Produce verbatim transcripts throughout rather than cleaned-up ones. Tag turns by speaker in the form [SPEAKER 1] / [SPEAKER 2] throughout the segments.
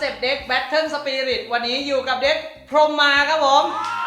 [SPEAKER 1] ซ็ปต์เด็ก Battle Spirit วันนี้อยู่กับเด็กพรหมมาครับผม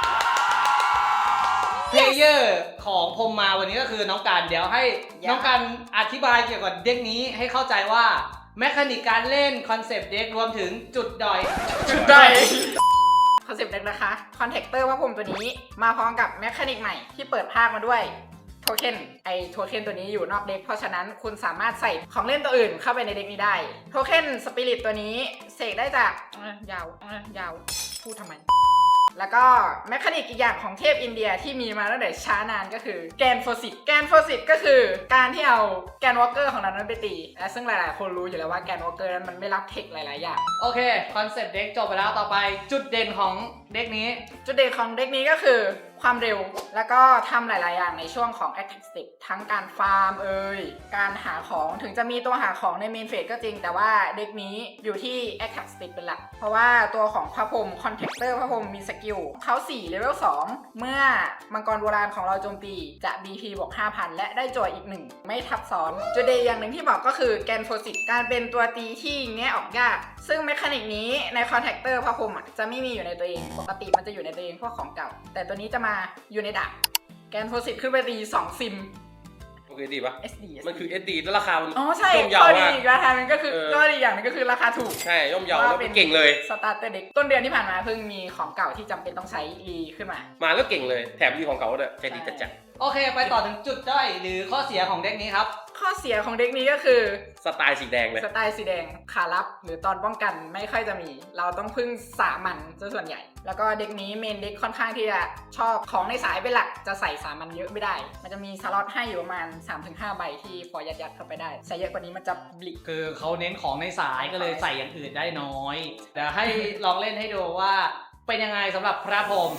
[SPEAKER 1] เพลเยอร์ของพรหมมาวันนี้ก็คือน้องการเดี๋ยวให้น้องการอธิบายเกี่ยวกับเด็กนี้ให้เข้าใจว่าแมคานิกการเล่นคอนเซปต์เด็กรวมถึงจุดด้อยจุดด้อย
[SPEAKER 2] คอนเซปต์เด็กนะคะคอนแทคเตอร์พระพรหมตัวนี้มาพร้อมกับแมคานิกใหม่ที่เปิดภาคมาด้วยโทเค็นไอโทเค็นตัวนี้อยู่นอกเด็กเพราะฉะนั้นคุณสามารถใส่ของเล่นตัวอื่นเข้าไปในเด็กนี้ได้โทเค็นสปิริตตัวนี้เสกได้จากยาวยาวพูดทำไมแล้วก็แมคานิกอีกอย่างของเทพอินเดียที่มีมาตั้งแต่ช้านานก็คือแกนโฟสิตแกนโฟสิตก็คือการที่เอาแกนวอล์กเกอร์ของเรานั้นไปตีและซึ่งหลายๆคนรู้อยู่แล้วว่าแกนวอล์กเกอร์นั้นมันไม่รับเทคหลายๆอย่าง
[SPEAKER 1] โอเคคอนเซปต์เด็กจบไปแล้วต่อไปจุดเด่นของเด็กนี้
[SPEAKER 2] จุดเด่นของเด็กนี้ก็คือความเร็วแล้วก็ทำหลายๆอย่างในช่วงของ Attack Step ทั้งการฟาร์มเอ่ยการหาของถึงจะมีตัวหาของในเมนเฟสก็จริงแต่ว่าเด็กนี้อยู่ที่ Attack Step เป็นหลักเพราะว่าตัวของพระพรหม Contactor พระพรหมมีสกิลเขาสี่เลเวลสองเมื่อมังกรโบราณของเราโจมตีจะ บี พี บวก ห้าพัน และได้จอยอีกหนึ่งไม่ทับซ้อนจุดเด่นอย่างหนึ่งที่บอกก็คือแกนโฟสิตการเป็นตัวตีที่แงะออกยากซึ่งเมคานิกนี้ใน Contactor พระพรหมจะไม่มีอยู่ในตัวเองปกติมันจะอยู่ในตัวเองพวกของเก่าแต่ตัวนี้จะมาอยู่ในดาบแกนโพสิตขึ้นไปตีสองซิม
[SPEAKER 3] โอเคดีปะ
[SPEAKER 2] เอส ดี
[SPEAKER 3] มันคือ เอส ดี แล้วราคามัน
[SPEAKER 2] อ๋อใช่ข้อดีอีกราคามันก็คือข้อดีอย่างนึงก็คือราคาถูก
[SPEAKER 3] ใช่ย่อมเยาแล้วเก่งเลย
[SPEAKER 2] สตาร์เตอร์เด็กต้นเดือนที่ผ่านมาเพิ่งมีของเก่าที่จำเป็นต้องใช้รีขึ้นมา
[SPEAKER 3] มาแล้วเก่งเลยแถมรีของเก่าด้วยใจดีจัดจัด
[SPEAKER 1] โอเคไปต่อถึงจุดด้อยหรือข้อเสียของเด็กนี้ครับ
[SPEAKER 2] ข้อเสียของเด็กนี้ก็คือ
[SPEAKER 3] สไตล์สีแดงเลย
[SPEAKER 2] สไตล์สีแดงขาลับหรือตอนป้องกันไม่ค่อยจะมีเราต้องพึ่งสามัญซะส่วนใหญ่แล้วก็เด็กนี้เมนเด็กค่อนข้างที่จะชอบของในสายเป็นหลักจะใส่สามัญเยอะไม่ได้มันจะมีสล็อตให้อยู่ประมาณ สามถึงห้า ใบที่พอยัดยัดเข้าไปได้ใส่เยอะกว่านี้มันจะบลิก
[SPEAKER 1] คือเขาเน้นของในสายก็เลยใส่อย่างอื่นได้น้อยเดี๋ยวให้ลองเล่นให้ดูว่าเป็นยังไงสำหรับพระพรหม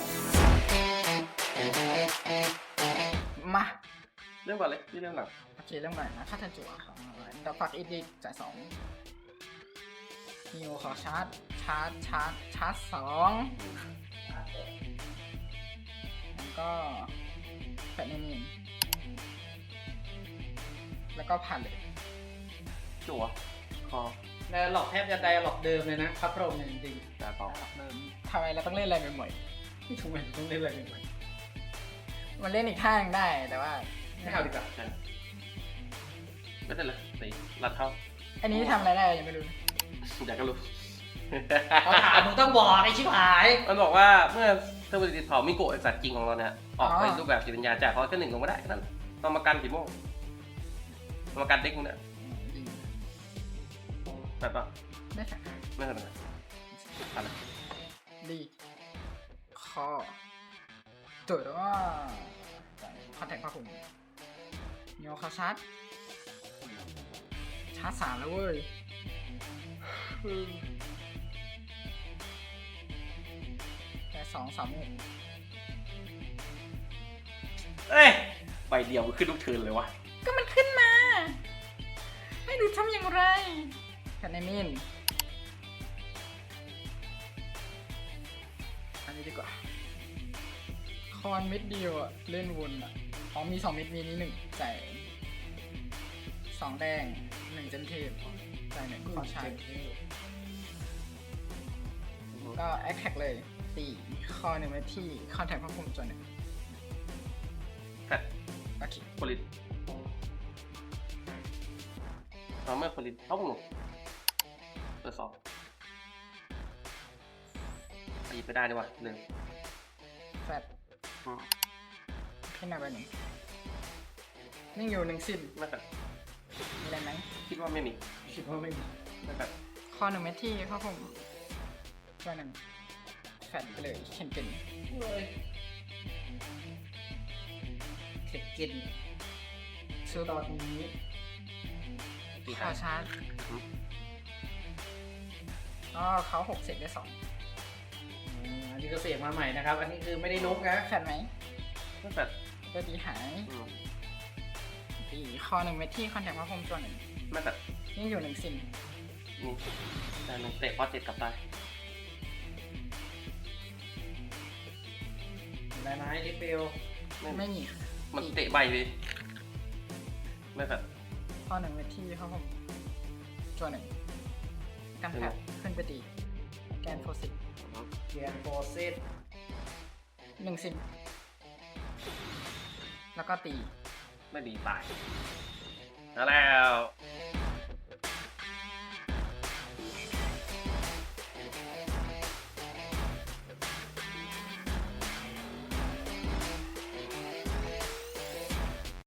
[SPEAKER 2] มา
[SPEAKER 3] เรื่องก่อนเลยที่เรื่องหลัง
[SPEAKER 2] โอเคเรื่องก่อนนะค่าทันจั่วดอกฝักอีดิกจ่ายสองฮิวขอชาร์จชาร์จชาร์จชาร์จสองแล้วก็แฟนนี่แล้วก็ผ่านเลย
[SPEAKER 3] จั่วคอ
[SPEAKER 1] แล้วหลอกแทบจะไดหลอกเดิมเลยนะพระพรหมจริง
[SPEAKER 3] ๆแต่ต่อ
[SPEAKER 2] เดิมทำไมเราต้องเล่นอะไรใหม่
[SPEAKER 1] ๆไม่ถูกไหมต้องเล่นอะไรใหม่
[SPEAKER 2] ๆมันเล่นอีกท่านึงได้แต่ว่า
[SPEAKER 1] ไม่เอาดีกว่า
[SPEAKER 3] ไม่ได้เลยสีรัดเท้า
[SPEAKER 2] อันนี้ทำอะไรได้ยังไม่รู้
[SPEAKER 3] อยากก็รู้
[SPEAKER 1] เขาถามมึงต้องบอกไอ้ชิบหาย
[SPEAKER 3] มันบอกว่าเมื่อเทอร์บิลิตเผามิโกะสัตว์จริงของเราเนี่ยออกไปรูปแบบจิตวิญญาณจากเขาแค่หนึ่งลงไม่ได้นั่นต้องมากันกี่โมงต้องมากันเด็กมึงเนี่ยแบบป่ะ
[SPEAKER 2] ไม่ใช่
[SPEAKER 3] ไม่ใช่อะไร
[SPEAKER 2] ดีข้อจุดว่าคอนแทคพระพรหมโยคาชาร์จชาร์จสามแล้วเว้ยแค่สองสามหก
[SPEAKER 3] เอ้ยใบเดียวขึ้นทุกเทิร์นเลยวะ
[SPEAKER 2] ก็มันขึ้นมาให้ดูทำอย่างไรแคนมินอันนี้ดีกว่าคอนเม็ดเดียวอะเล่นวนอะอ๋อมีสองเม็ดมีนี้หนึ่งจ่ายสองแดงหนึ่งเจนเทปจ่ายหนึ่งขอใช้ก็แอคแท็กเลยตีคอหนึ่งไว้ที่คอนแทคพระพรหมจนหนึ่ง
[SPEAKER 3] แฟด
[SPEAKER 2] โอเค
[SPEAKER 3] โพลิสเราเมื่อโพลิสเข้าหมดเปิดสองตีไปได้ดีกว่าหนึ่ง
[SPEAKER 2] แฟดขึ้นมาไปหนึ่งนิ่งอยู่หนึ่งซิม
[SPEAKER 3] ไม่แฟด
[SPEAKER 2] มีอะไรไหม
[SPEAKER 3] คิดว่าไม่มี
[SPEAKER 1] คิดว่าไม่มี
[SPEAKER 3] ไม่แฟด
[SPEAKER 2] คอหนึ่งเม็ดที่พระพรหมก็หนึ่งแฟดไปเลยเข็นเก่น
[SPEAKER 1] เลยเข็นเก่นซื้อตอนนี้
[SPEAKER 2] ขอชาร์จอ๋อเขาหกเสร็จได้สอง
[SPEAKER 1] อันนี้ก็เสียงมาใหม่นะครับอันนี้คือไม่ได้นุ๊กนะ
[SPEAKER 2] แฟดไหม
[SPEAKER 3] ไม่แฟด
[SPEAKER 2] ก็ดีหายดีคอหนึ่งเม็ดที่คอนแทคพระพรหมตัวหนึ่ง
[SPEAKER 3] ไม่แฟด
[SPEAKER 2] นี่อยู่หนึ่งซิม
[SPEAKER 3] นี่แต่หนึ่งเตะพอเจ็ดกลับได้
[SPEAKER 1] อะไรนะไอ้ลิเปล
[SPEAKER 2] ไม่มี
[SPEAKER 3] มันเตะใบเลยไม่แฟด
[SPEAKER 2] ข้อหนึ่งเม็ดที่พระพรหมตัวหนึ่งกันแผลขึ้นไปตีนโฟสิต
[SPEAKER 1] เกียนโฟซิส
[SPEAKER 2] หนึ่งสิบแล้วก็ตี
[SPEAKER 3] ไม่ดีตายแล้วแล้ว